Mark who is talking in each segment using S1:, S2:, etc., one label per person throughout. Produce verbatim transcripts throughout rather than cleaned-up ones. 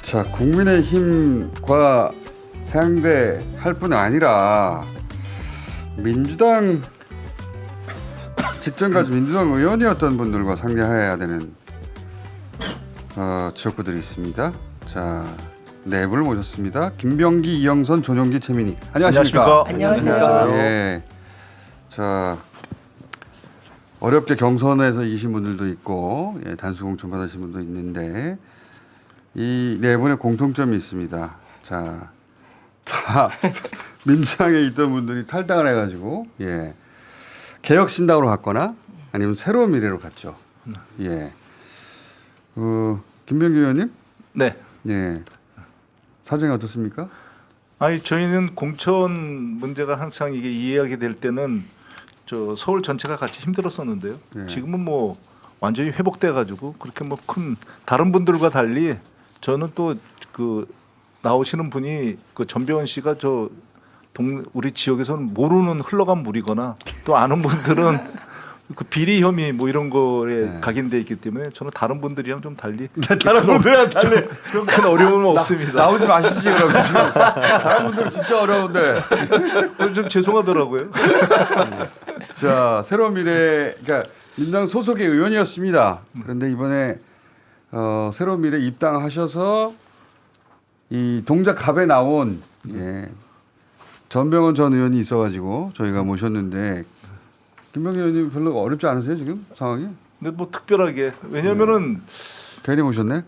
S1: 자, 국민의힘과 상대할 뿐 아니라 민주당 직전까지 민주당 의원이었던 분들과 상대해야 되는 어, 지역구들이 있습니다. 자, 네 분을 모셨습니다. 김병기, 이영선, 전용기, 최민희. 안녕하십니까?
S2: 안녕하세요.
S1: 예. 자, 어렵게 경선에서 이기신 분들도 있고, 예, 단수 공천 받으신 분도 있는데 이 네 분의 공통점이 있습니다. 자, 다 민주당에 있던 분들이 탈당을 해가지고, 예, 개혁신당으로 갔거나 아니면 새로운 미래로 갔죠. 예. 어, 김병기 의원님?
S2: 네.
S1: 예. 사정이 어떻습니까?
S2: 아니 저희는 공천 문제가 항상 이게 이해하게 될 때는 저 서울 전체가 같이 힘들었었는데요.
S1: 네.
S2: 지금은 뭐 완전히 회복돼 가지고 그렇게 뭐 큰 다른 분들과 달리 저는 또 그 나오시는 분이 그 전배원 씨가 저 동 우리 지역에서는 모르는 흘러간 물이거나 또 아는 분들은 그 비리 혐의 뭐 이런 거에
S1: 네.
S2: 각인돼 있기 때문에 저는 다른 분들이랑 좀 달리
S1: 다른 분들이랑 달리
S2: 그런 큰 어려움은 없습니다.
S1: 나오지 마시지 그러면 지금 다른 분들은 진짜 어려운데.
S2: 좀 죄송하더라고요.
S1: 자, 새로운 미래, 그러니까 민주당 소속의 의원이었습니다. 그런데 이번에 어, 새로운 미래 입당하셔서 이 동작갑에 나온 예, 전병헌 전 의원이 있어가지고 저희가 모셨는데 김병기 의원님 별로 어렵지 않으세요 지금 상황이?
S2: 근데 뭐 특별하게 왜냐면은
S1: 괜히 모셨네?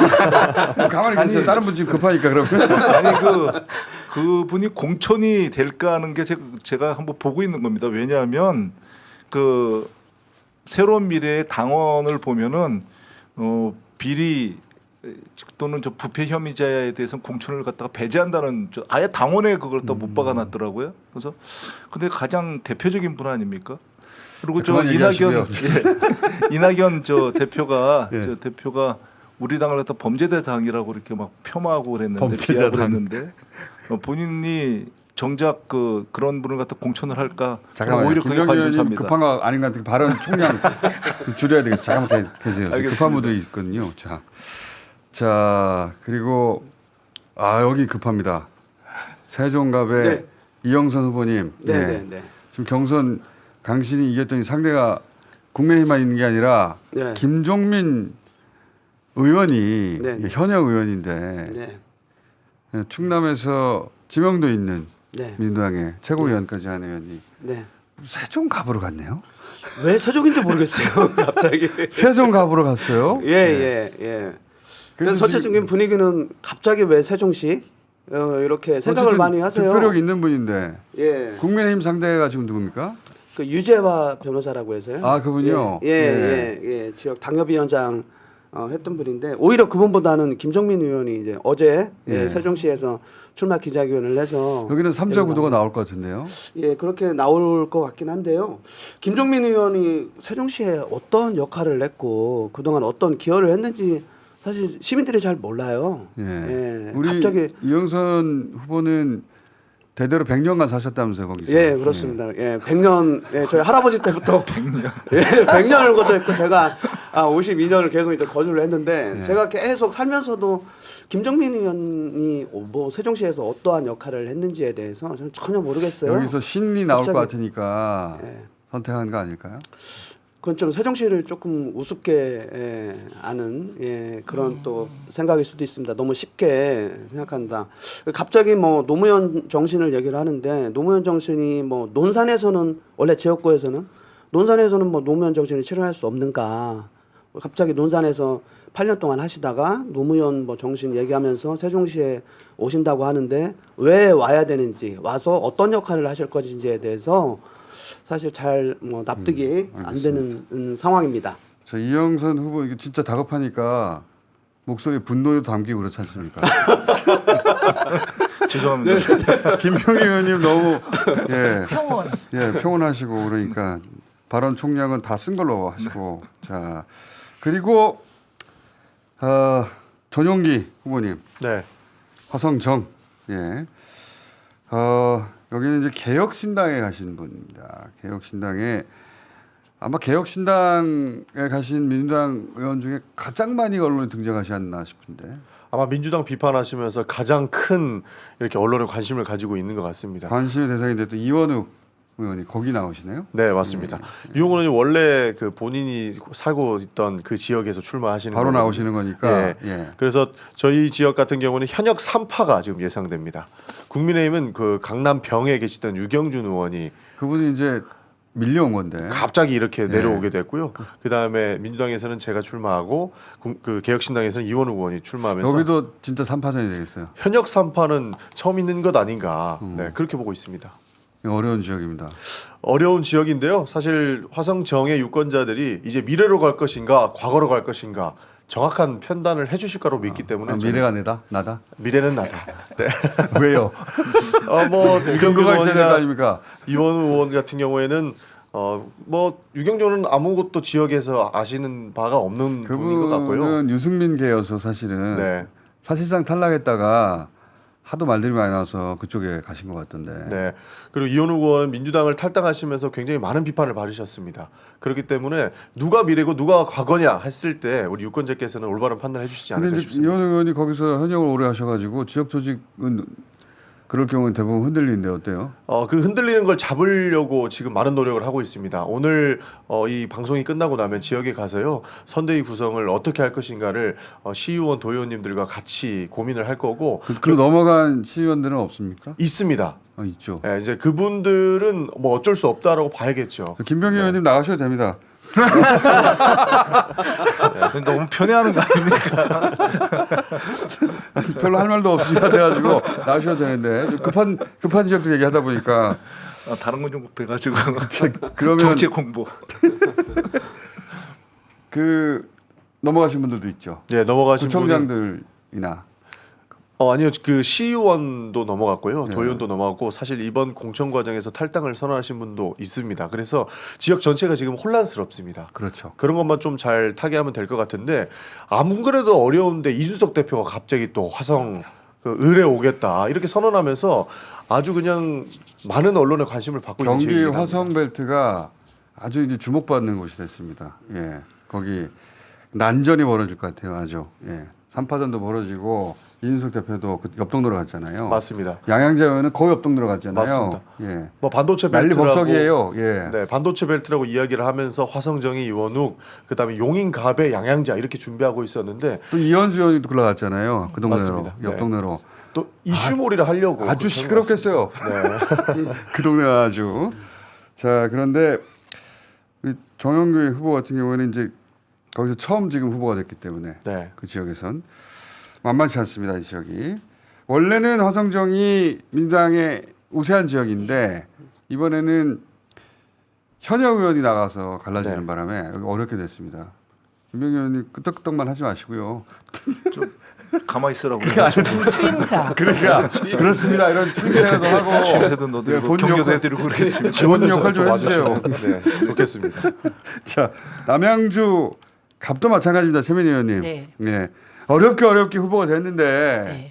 S1: 가만히 계세요.
S2: 아니,
S1: 다른 분 지금 급하니까 그러면.
S2: 아니 그 그분이 공천이 될까 하는 게 제, 제가 한번 보고 있는 겁니다. 왜냐하면 그 새로운 미래의 당원을 보면은 어 비리 또는 저 부패 혐의자에 대해서 공천을 갖다가 배제한다는 저 아예 당원에 그걸 또 못 박아놨더라고요. 그래서 근데 가장 대표적인 분 아닙니까? 그리고 저
S1: 그만
S2: 이낙연
S1: 얘기하시고요.
S2: 예, 이낙연 저 대표가
S1: 예.
S2: 저 대표가 우리 당을 갖다 범죄대 당이라고 이렇게 막 폄하하고 그랬는데
S1: 범죄자
S2: 비하를
S1: 당.
S2: 했는데 어, 본인이 정작 그 그런 분을 갖다 공천을 할까?
S1: 잠깐만요.
S2: 오히려 그게
S1: 김병기 의원님
S2: 관심사입니다.
S1: 급한 거 아닌 것 같은 발언 총량 좀 줄여야 되겠어요. 잠깐만 계- 계세요.
S2: 알겠습니다.
S1: 급한 분들이 있거든요. 자, 자 그리고 아 여기 급합니다. 세종갑의
S3: 네.
S1: 이영선 후보님.
S3: 네,
S1: 예.
S3: 네, 네.
S1: 지금 경선 강신이 이겼더니 상대가 국민의힘만 있는 게 아니라
S3: 네.
S1: 김종민 의원이
S3: 네, 네.
S1: 현역 의원인데
S3: 네.
S1: 예, 충남에서 지명도 있는
S3: 네.
S1: 민주당의 최고위원까지 한 의원이
S3: 네.
S1: 세종갑으로 갔네요.
S3: 왜 세종인지 모르겠어요. 갑자기.
S1: 세종갑으로 갔어요.
S3: 예, 예, 예. 그래서 전체적인 분위기는 갑자기 왜 세종시 어, 이렇게 생각을
S1: 어쨌든
S3: 많이 하세요.
S1: 득표력 있는 분인데
S3: 예.
S1: 국민의힘 상대가 지금 누굽니까?
S3: 그 유재화 변호사라고 해서요.
S1: 아, 그분이요?
S3: 예, 예, 예, 예. 지역 당협위원장 어, 했던 분인데 오히려 그분보다는 김종민 의원이 이제 어제 예.
S1: 예.
S3: 세종시에서 출마 기자회견을 해서
S1: 여기는 삼자
S3: 여기
S1: 구도가 나올 것 같은데요.
S3: 예, 그렇게 나올 것 같긴 한데요. 김종민 의원이 세종시에 어떤 역할을 했고 그동안 어떤 기여를 했는지 사실 시민들이 잘 몰라요.
S1: 예.
S3: 예,
S1: 우리
S3: 갑자기
S1: 이영선 후보는 대대로 백 년간 사셨다면서요, 거기서.
S3: 예, 그렇습니다. 예, 백 년, 예, 저희 할아버지 때부터 백 년, 예, 백 년을 거주했고 제가 아, 오십이 년을 계속 이제 거주를 했는데
S1: 예.
S3: 제가 계속 살면서도 김종민 의원이 뭐 세종시에서 어떠한 역할을 했는지에 대해서 저는 전혀 모르겠어요.
S1: 여기서 신이 나올
S3: 갑자기-
S1: 것 같으니까
S3: 예.
S1: 선택한 거 아닐까요?
S3: 그건 좀 세종시를 조금 우습게 예, 아는 예, 그런 또 생각일 수도 있습니다. 너무 쉽게 생각한다. 갑자기 뭐 노무현 정신을 얘기를 하는데 노무현 정신이 뭐 논산에서는 원래 지역구에서는 논산에서는 뭐 노무현 정신을 실현할 수 없는가? 갑자기 논산에서 팔 년 동안 하시다가 노무현 뭐 정신 얘기하면서 세종시에 오신다고 하는데 왜 와야 되는지 와서 어떤 역할을 하실 것인지에 대해서 사실 잘 뭐 납득이
S1: 음,
S3: 안 되는 음, 상황입니다.
S1: 저 이영선 후보 이게 진짜 다급하니까 목소리에 분노도 담기고 그렇지 않습니까?
S2: 죄송합니다.
S1: 김병기 의원님 너무 예,
S4: 평온.
S1: 예, 평온하시고 그러니까 발언 총량은 다 쓴 걸로 하시고 자 그리고 어, 전용기 후보님
S5: 네.
S1: 화성정 예. 어, 여기는 이제 개혁신당에 가신 분입니다. 개혁신당에 아마 개혁신당에 가신 민주당 의원 중에 가장 많이 언론에 등장하지 않나 싶은데.
S4: 아마 민주당 비판하시면서 가장 큰 이렇게 언론에 관심을 가지고 있는 것 같습니다.
S1: 관심의 대상이 됐던 이원욱 의원이 거기 나오시네요.
S4: 네, 맞습니다. 유홍은 의원이 원래 그 본인이 살고 있던 그 지역에서 출마하시는
S1: 바로
S4: 거거든요.
S1: 나오시는 거니까.
S4: 예.
S1: 예.
S4: 그래서 저희 지역 같은 경우는 현역 삼 파가 지금 예상됩니다. 국민의힘은 그 강남 병에 계시던 유경준 의원이
S1: 그분이 이제 밀려온 건데.
S4: 갑자기 이렇게
S1: 네.
S4: 내려오게 됐고요. 그 다음에 민주당에서는 제가 출마하고 구- 그 개혁신당에서는 이원우 의원이 출마하면서
S1: 여기도 진짜 삼파전이 되겠어요.
S4: 현역 삼 파는 처음 있는 것 아닌가
S1: 음.
S4: 네, 그렇게 보고 있습니다.
S1: 어려운 지역입니다.
S4: 어려운 지역인데요. 사실 화성정의 유권자들이 이제 미래로 갈 것인가 과거로 갈 것인가 정확한 판단을 해주실 거라고 믿기 때문에
S1: 아,
S4: 저는
S1: 미래가 내다? 나다?
S4: 미래는 나다. 네.
S1: 왜요?
S4: 어뭐 유경준
S1: 근거가 있어야 될 거
S4: 의원이나
S1: 아닙니까?
S4: 이원우 의원 같은 경우에는 어 뭐 유경준은 아무것도 지역에서 아시는 바가 없는 분인 것 같고요.
S1: 그분은 유승민계여서 사실은
S4: 네.
S1: 사실상 탈락했다가 하도 말들이 많이 나와서 그쪽에 가신 것 같던데.
S4: 네. 그리고 이원우 의원은 민주당을 탈당하시면서 굉장히 많은 비판을 받으셨습니다. 그렇기 때문에 누가 미래고 누가 과거냐 했을 때 우리 유권자께서는 올바른 판단을 해주시지
S1: 근데
S4: 않을까
S1: 이제
S4: 싶습니다.
S1: 이원 의원이 거기서 현역을 오래 하셔가지고 지역 조직은 그럴 경우는 대부분 흔들리는데 어때요?
S4: 어, 그 흔들리는 걸 잡으려고 지금 많은 노력을 하고 있습니다. 오늘 어, 이 방송이 끝나고 나면 지역에 가서요 선대위 구성을 어떻게 할 것인가를 어, 시의원, 도의원님들과 같이 고민을 할 거고
S1: 그, 그 넘어간 시의원들은 없습니까?
S4: 있습니다.
S1: 어, 있죠.
S4: 예, 이제 그분들은 뭐 어쩔 수 없다라고 봐야겠죠.
S1: 김병기 의원님 나가셔도 됩니다.
S2: 네. 너무 편애하는 거 아닙니까?
S1: 별로 할 말도 없으시다 돼가지고 나가셔도 되는데 좀 급한 급한 지역들 얘기하다 보니까
S2: 아, 다른 건 좀 배가지고
S1: 그러면
S2: 정책 공부.
S1: 그 넘어가신 분들도 있죠.
S4: 예, 넘어가신 분이
S1: 구청장들이나
S4: 어 아니요 그 시의원도 넘어갔고요
S1: 네.
S4: 도의원도 넘어갔고 사실 이번 공천 과정에서 탈당을 선언하신 분도 있습니다. 그래서 지역 전체가 지금 혼란스럽습니다.
S1: 그렇죠.
S4: 그런 것만 좀 잘 타개하면 될 것 같은데 안 그래도 어려운데 이준석 대표가 갑자기 또 화성 그 을에 오겠다 이렇게 선언하면서 아주 그냥 많은 언론의 관심을 받고 있는
S1: 경기
S4: 지역이긴 합니다.
S1: 화성벨트가 아주 이제 주목받는 곳이 됐습니다. 예, 거기 난전이 벌어질 것 같아요. 아주 예, 삼파전도 벌어지고 이준석 대표도 그 옆동네로 갔잖아요.
S4: 맞습니다.
S1: 양양자 의원은 거의 옆동네로 갔잖아요.
S4: 맞습니다.
S1: 예,
S4: 뭐 반도체
S1: 난리
S4: 벨트라고
S1: 법석이에요. 예,
S4: 네, 반도체 벨트라고 이야기를 하면서 화성정의 이원욱, 그다음에 용인갑의 양양자 이렇게 준비하고 있었는데
S1: 또 이현주 의원이 또 올라갔잖아요. 그 동네로
S4: 맞습니다. 네.
S1: 옆동네로
S4: 또 이슈몰이를 하려고
S1: 아주
S4: 그렇게
S1: 시끄럽겠어요.
S4: 네.
S1: 그 동네가 아주. 자, 그런데 이 정영규 후보 같은 경우에는 이제 거기서 처음 지금 후보가 됐기 때문에
S4: 네.
S1: 그 지역에선 만만치 않습니다. 이 지역이 원래는 화성정이 민주당의 우세한 지역인데 이번에는 현역 의원이 나가서 갈라지는
S4: 네.
S1: 바람에 여기 어렵게 됐습니다. 김병기 의원님 끄떡끄떡만 하지 마시고요.
S2: 좀 가만히 있으라고.
S5: 추임사.
S1: 그러니까 그렇습니다. 이런 추임새도 하고
S2: 취임새도 넣어드리고
S1: 본
S2: 격려도
S1: 역할-
S2: 해드리고 그러겠습니다.
S1: 지원 역할 좀 해주세요.
S4: 와주시면, 네, 좋겠습니다.
S1: 자, 남양주 갑도 마찬가지입니다. 세민이 의원님.
S5: 네.
S1: 예. 어렵게 어렵게 후보가 됐는데
S5: 네.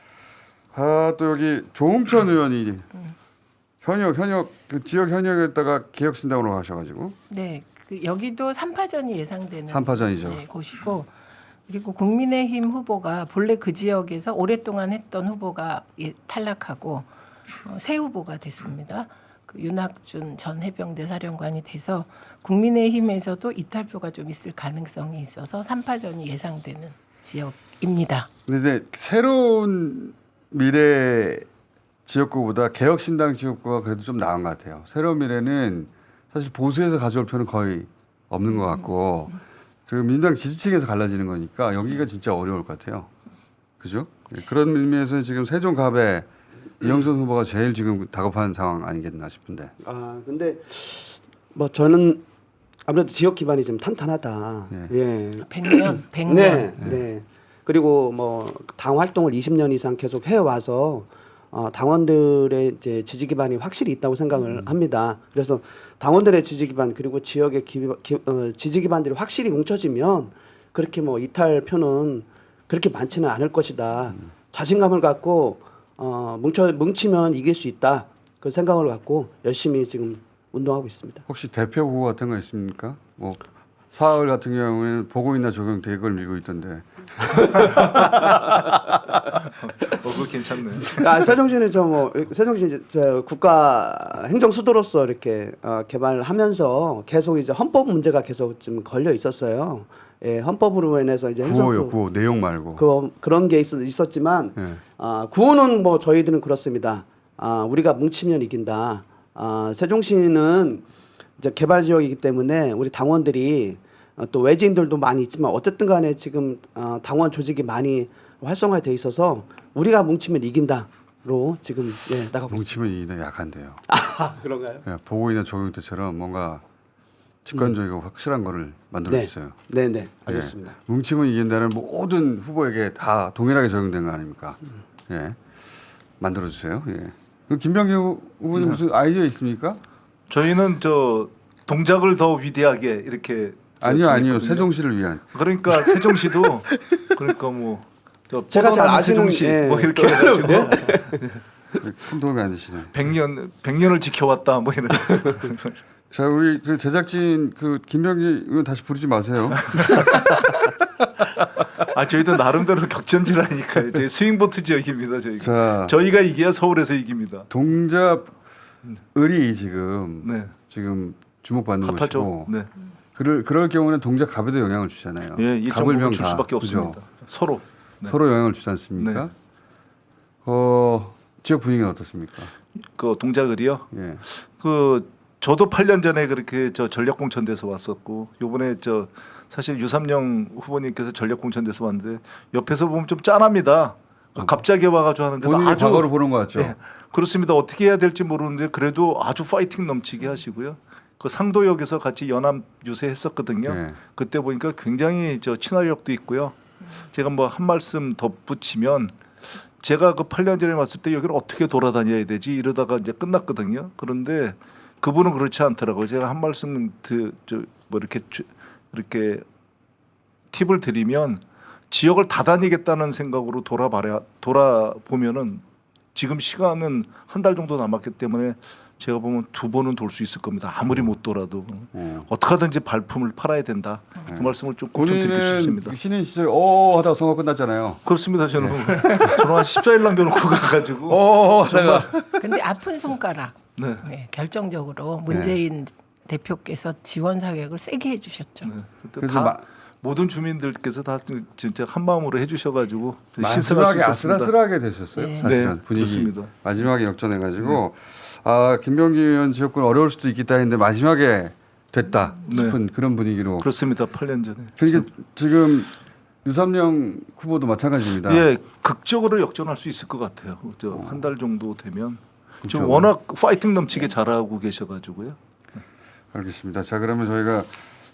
S1: 아, 또 여기 조홍천 의원이 현역 현역 그 지역 현역에다가 개혁신당으로 가셔가지고
S5: 네. 그 여기도 삼파전이 예상되는
S1: 삼파전이죠.
S5: 네, 곳이고 그리고 국민의힘 후보가 본래 그 지역에서 오랫동안 했던 후보가 예, 탈락하고 어, 새 후보가 됐습니다. 그 윤학준 전 해병대 사령관이 돼서 국민의힘에서도 이탈표가 좀 있을 가능성이 있어서 삼파전이 예상되는 지역입니다.
S1: 근데 이제 새로운 미래 지역구보다 개혁신당 지역구가 그래도 좀 나은 것 같아요. 새로운 미래는 사실 보수에서 가져올 표는 거의 없는 것 같고 그 민주당 지지층에서 갈라지는 거니까 여기가 진짜 어려울 것 같아요. 그죠? 예, 그런 의미에서 지금 세종갑에 이영선 후보가 제일 지금 다급한 상황 아니겠나 싶은데.
S3: 아 근데 뭐 저는 아무래도 지역 기반이 좀 탄탄하다.
S1: 예.
S3: 예.
S5: 백 년, 백 년.
S3: 네, 네. 그리고 뭐 당 활동을 이십 년 이상 계속 해 와서 어, 당원들의 이제 지지 기반이 확실히 있다고 생각을
S1: 음.
S3: 합니다. 그래서 당원들의 지지 기반 그리고 지역의 기, 기, 어, 지지 기반들이 확실히 뭉쳐지면 그렇게 뭐 이탈표는 그렇게 많지는 않을 것이다.
S1: 음.
S3: 자신감을 갖고 어, 뭉쳐 뭉치면 이길 수 있다. 그 생각을 갖고 열심히 지금 운동하고 있습니다.
S1: 혹시 대표 후보 같은 거 있습니까? 뭐 사흘 같은 경우에는 보고 있나 적용 대걸 밀고 있던데.
S2: 어, 그거 괜찮네.
S3: 아, 세종시는 저뭐 세종시 이제 저 국가 행정 수도로서 이렇게 어, 개발을 하면서 계속 이제 헌법 문제가 계속 좀 걸려 있었어요. 예, 헌법으로 인해서 이제
S1: 구호요,
S3: 행정
S1: 구호 내용 말고.
S3: 그 그런 게 있, 있었지만
S1: 예.
S3: 아, 구호는 뭐 저희들은 그렇습니다. 아, 우리가 뭉치면 이긴다. 아, 세종시는 이제 개발 지역이기 때문에 우리 당원들이 어, 또 외지인들도 많이 있지만 어쨌든 간에 지금 어, 당원 조직이 많이 활성화돼 있어서 우리가 뭉치면 이긴다로 지금 예, 나가고 있습니다.
S1: 뭉치면 이기는 약한데요.
S3: 아, 그런가요?
S1: 예, 보고 있는 적용 때처럼 뭔가 직관적이고 확실한 거를 만들어
S3: 네.
S1: 주세요.
S3: 네, 네. 알겠습니다.
S1: 예. 뭉치면 이긴다는 모든 후보에게 다 동일하게 적용된 거 아닙니까? 예. 만들어 주세요. 예. 그럼 김병기 후보님 무슨 아이디어 있습니까?
S2: 저희는 저 동작을 더 위대하게 이렇게 저
S1: 아니요, 아니요.
S2: 정했거든요.
S1: 세종시를 위한.
S2: 그러니까 세종시도 그러니까 뭐 저
S3: 제가 잘
S2: 뻗어나는
S3: 아시는-
S2: 세종시
S3: 예.
S2: 뭐 이렇게 해가지고
S1: 큰 도움이 안 되시네.
S2: 백 년 백 년을 지켜왔다 뭐 이런.
S1: 자, 우리 그 제작진 그 김병기 의원 다시 부르지 마세요.
S2: 아 저희도 나름대로 격전지라니까요. 저희 스윙보트 지역입니다. 저희가.
S1: 자,
S2: 저희가 이겨야 서울에서 이깁니다.
S1: 동잡 을이 지금
S2: 네.
S1: 지금 주목받는
S2: 핫하죠.
S1: 것이고
S2: 네.
S1: 그럴 그럴 경우는 동작 갑에도 영향을 주잖아요.
S2: 예, 일정
S1: 갑을
S2: 부분
S1: 명
S2: 줄
S1: 다,
S2: 수밖에
S1: 그죠?
S2: 없습니다. 서로. 네.
S1: 서로 영향을 주지 않습니까?
S2: 네.
S1: 어, 지역 분위기는 어떻습니까?
S2: 그 동작을이요.
S1: 예.
S2: 그 저도 팔 년 전에 그렇게 저 전략공천돼서 왔었고 요번에 저 사실 유삼영 후보님께서 전략공천돼서 왔는데 옆에서 보면 좀 짠합니다. 갑자기 와가지고 하는데
S1: 본인이
S2: 아주
S1: 과거를 보는 것 같죠.
S2: 예, 그렇습니다. 어떻게 해야 될지 모르는데 그래도 아주 파이팅 넘치게 하시고요. 그 상도역에서 같이 연합 유세했었거든요.
S1: 예.
S2: 그때 보니까 굉장히 저 친화력도 있고요. 제가 뭐 한 말씀 덧붙이면 제가 그 팔 년 전에 왔을 때 여기를 어떻게 돌아다녀야 되지 이러다가 이제 끝났거든요. 그런데 그분은 그렇지 않더라고요. 제가 한 말씀 그저뭐 이렇게 주- 이렇게 팁을 드리면 지역을 다 다니겠다는 생각으로 돌아봐야 돌아보면은 지금 시간은 한 달 정도 남았기 때문에 제가 보면 두 번은 돌 수 있을 겁니다. 아무리 못 돌아도
S1: 어.
S2: 어떻게 하든지 발품을 팔아야 된다. 그 말씀을 좀 꼭 좀 드리고
S1: 본인은
S2: 싶습니다.
S1: 신인 시절 어 하다가 선거 끝났잖아요.
S2: 그렇습니다. 저는 저는 한 십사 일 남겨놓고 가가지고
S1: 어 하다가
S5: 근데 아픈 손가락
S2: 네.
S5: 네, 결정적으로 문재인 대표께서 지원 사격을 세게 해주셨죠.
S2: 네. 그때
S1: 그래서
S2: 다
S1: 마-
S2: 모든 주민들께서 다 진짜 한 마음으로 해주셔가지고 신선할 수
S1: 마지막에
S2: 있었습니다.
S1: 아슬아슬하게 되셨어요.
S5: 네.
S1: 사실은
S2: 네,
S1: 분위기
S2: 그렇습니다.
S1: 마지막에 역전해가지고 아 김병기 의원 지역군 어려울 수도 있겠다 했는데 마지막에 됐다
S2: 네.
S1: 싶은 그런 분위기로.
S2: 그렇습니다. 팔 년 전에.
S1: 그러니까 지금 유삼영 후보도 마찬가지입니다.
S2: 예, 극적으로 역전할 수 있을 것 같아요. 한 달 정도 되면 지금
S1: 그렇죠.
S2: 워낙 파이팅 넘치게 잘하고 계셔가지고요.
S1: 알겠습니다. 자 그러면 저희가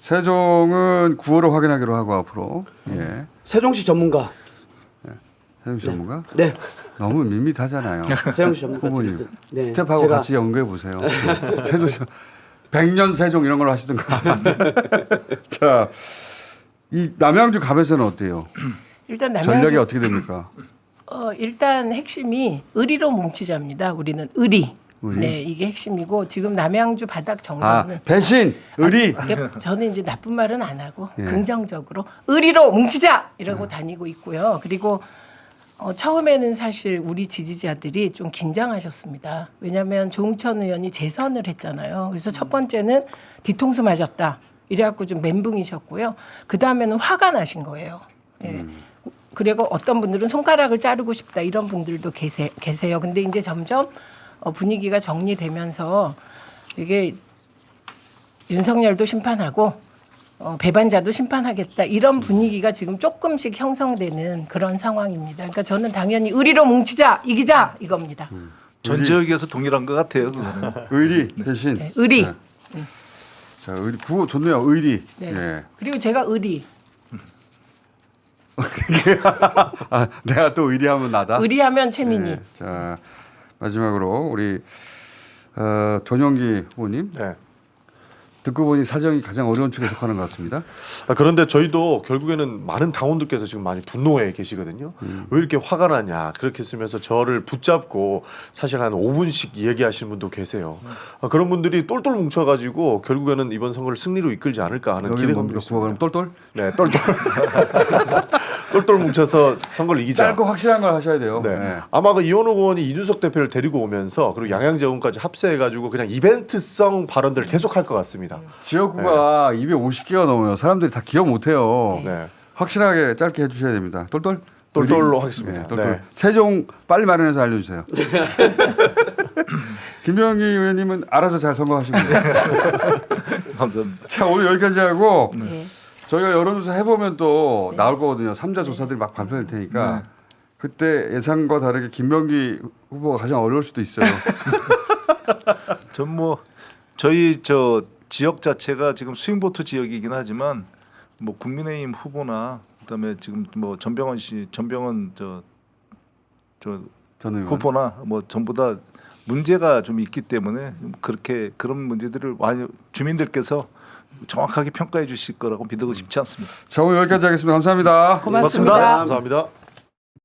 S1: 세종은 구호를 확인하기로 하고 앞으로 예
S3: 세종시 전문가.
S1: 세종 전문가
S3: 네.
S1: 너무 밋밋하잖아요.
S3: 세종시 전문가.
S1: 후보님
S3: 네.
S1: 스텝하고
S3: 제가
S1: 같이 연구해 보세요. 네. 세종 백년 세종 이런 걸로 하시든가. 자, 이 남양주 갑에서는 어때요?
S5: 일단
S1: 전략이
S5: 남양주
S1: 어떻게 됩니까?
S5: 어, 일단 핵심이 의리로 뭉치자입니다. 우리는 의리.
S1: 의리?
S5: 네, 이게 핵심이고 지금 남양주 바닥
S1: 아
S5: 정서는
S1: 배신, 의리.
S5: 이게 저는 이제 나쁜 말은 안 하고
S1: 예.
S5: 긍정적으로 의리로 뭉치자 이러고 다니고 있고요. 그리고 어, 처음에는 사실 우리 지지자들이 좀 긴장하셨습니다. 왜냐하면 조응천 의원이 재선을 했잖아요. 그래서 첫 번째는 뒤통수 맞았다. 이래갖고 좀 멘붕이셨고요. 그 다음에는 화가 나신 거예요. 예. 그리고 어떤 분들은 손가락을 자르고 싶다 이런 분들도 계세, 계세요. 근데 이제 점점 어, 분위기가 정리되면서 이게 윤석열도 심판하고 어, 배반자도 심판하겠다 이런 분위기가 지금 조금씩 형성되는 그런 상황입니다. 그러니까 저는 당연히 의리로 뭉치자 이기자 이겁니다.
S2: 전 지역에서 동일한 것 같아요. 그거는.
S1: 의리, 배신.
S5: 네, 의리.
S1: 네. 자, 의리 구호 좋네요. 의리.
S5: 네.
S1: 예.
S5: 그리고 제가 의리.
S1: 아, 내가 또 의리하면 나다.
S5: 의리하면 최민희.
S1: 네. 자, 마지막으로 우리 어, 전용기 후보님.
S4: 네.
S1: 듣고 보니 사정이 가장 어려운 축에 속하는 것 같습니다.
S4: 아, 그런데 저희도 결국에는 많은 당원들께서 지금 많이 분노해 계시거든요.
S1: 음.
S4: 왜 이렇게 화가 나냐 그렇게 쓰면서 저를 붙잡고 사실 한 오 분씩 얘기하시는 분도 계세요. 아, 그런 분들이 똘똘 뭉쳐가지고 결국에는 이번 선거를 승리로 이끌지 않을까 하는
S1: 여기
S4: 기대감도
S1: 뭡니까? 구호가
S4: 있습니다.
S1: 그럼 똘똘?
S4: 네, 똘똘 똘똘 뭉쳐서 선거를 이기자.
S1: 짧고 확실한 걸 하셔야 돼요.
S4: 네.
S1: 네.
S4: 아마 그 이원호 의원이 이준석 대표를 데리고 오면서 그리고 양양재 의원까지 합세해가지고 그냥 이벤트성 발언들을 계속할 것 같습니다.
S1: 지역구가 이백오십 개가 넘어요. 사람들이 다 기억 못해요.
S4: 네.
S1: 확실하게 짧게 해주셔야 됩니다. 똘똘?
S4: 똘똘로 하겠습니다.
S1: 네, 똘똘.
S4: 네.
S1: 세종 빨리 마련해서 알려주세요. 김병기 의원님은 알아서 잘 선거하시면 돼요.
S2: 감사합니다.
S1: 자, 오늘 여기까지 하고
S5: 네.
S1: 저희가 여론조사 해보면 또
S5: 네.
S1: 나올 거거든요. 삼자 조사들이 막 발표될 테니까 그때 예상과 다르게 김병기 후보가 가장 어려울 수도 있어요.
S2: 전 뭐 저희 저 지역 자체가 지금 스윙보트 지역이긴 하지만 뭐 국민의힘 후보나 그다음에 지금 뭐 전병헌 씨, 전병헌 저 저
S1: 전 의원.
S2: 후보나 뭐 전부 다 문제가 좀 있기 때문에 그렇게 그런 문제들을 많이 주민들께서 정확하게 평가해 주실 거라고 믿고 싶지 않습니다.
S1: 자, 오늘 여기까지 하겠습니다. 감사합니다.
S5: 고맙습니다.
S4: 감사합니다.